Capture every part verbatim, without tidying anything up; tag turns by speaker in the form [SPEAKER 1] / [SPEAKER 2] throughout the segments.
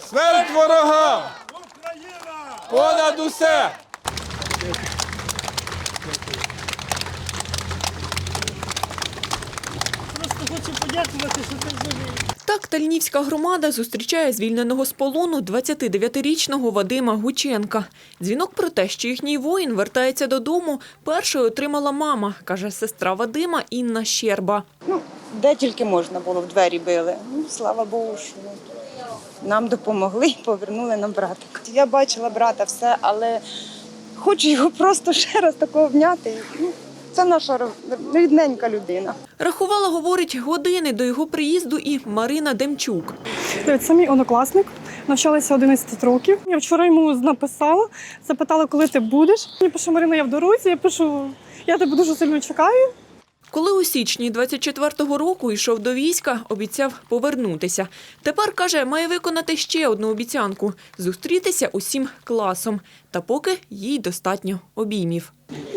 [SPEAKER 1] Смерть ворогам! Понад усе!
[SPEAKER 2] Просто хочу подякувати, що ти живий.
[SPEAKER 3] Так Тальнівська громада зустрічає звільненого з полону двадцятидев'ятирічного Вадима Гученка. Дзвінок про те, що їхній воїн вертається додому, першою отримала мама, каже сестра Вадима Інна Щерба.
[SPEAKER 4] Ну, де тільки можна було, в двері били. Ну, слава Богу, що нам допомогли і повернули нам братика. Я бачила брата все, але хочу його просто ще раз такого обняти. Ну, це наша рідненька людина.
[SPEAKER 3] Рахувала, говорить, години до його приїзду і Марина Демчук.
[SPEAKER 5] Це мій однокласник, навчалася одинадцять років. Я вчора йому написала, запитала, коли ти будеш. Я пишу: Марина, я в дорозі, я пишу, я тебе дуже сильно чекаю.
[SPEAKER 3] Коли у січні двадцять четвертого року йшов до війська, обіцяв повернутися. Тепер, каже, має виконати ще одну обіцянку – зустрітися усім класом. Та поки їй достатньо обіймів.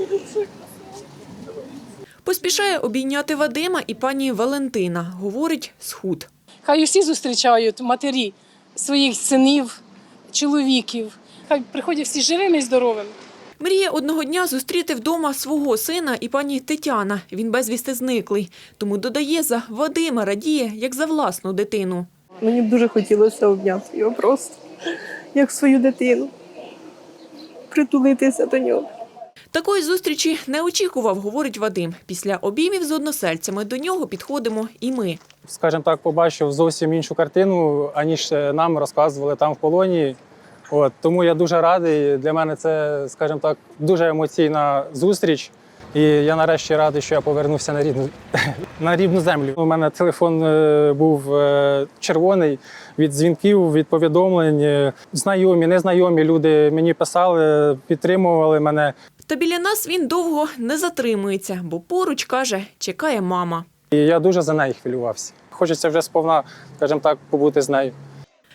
[SPEAKER 3] Поспішає обійняти Вадима і пані Валентина. Говорить, схуд.
[SPEAKER 2] Хай усі зустрічають матері своїх синів, чоловіків. Хай приходять всі живими і здоровими.
[SPEAKER 3] Мріє одного дня зустріти вдома свого сина і пані Тетяна. Він безвісти зниклий. Тому додає, за Вадима радіє, як за власну дитину.
[SPEAKER 5] Мені б дуже хотілося обняти його просто, як свою дитину, притулитися до нього.
[SPEAKER 3] Такої зустрічі не очікував, говорить Вадим. Після обіймів з односельцями до нього підходимо і ми.
[SPEAKER 6] Скажімо так, побачив зовсім іншу картину, аніж нам розказували там в полоні. От, тому я дуже радий. Для мене це, скажімо так, дуже емоційна зустріч. І я нарешті радий, що я повернувся на рідну, на рідну землю. У мене телефон був червоний від дзвінків, від повідомлень. Знайомі, незнайомі люди мені писали, підтримували мене.
[SPEAKER 3] Та біля нас він довго не затримується, бо поруч, каже, чекає мама.
[SPEAKER 6] І я дуже за неї хвилювався. Хочеться вже сповна, скажімо так, побути з нею.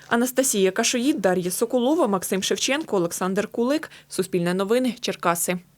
[SPEAKER 3] Анастасія Кашоїд, Дар'я Соколова, Максим Шевченко, Олександр Кулик. Суспільне новини, Черкаси.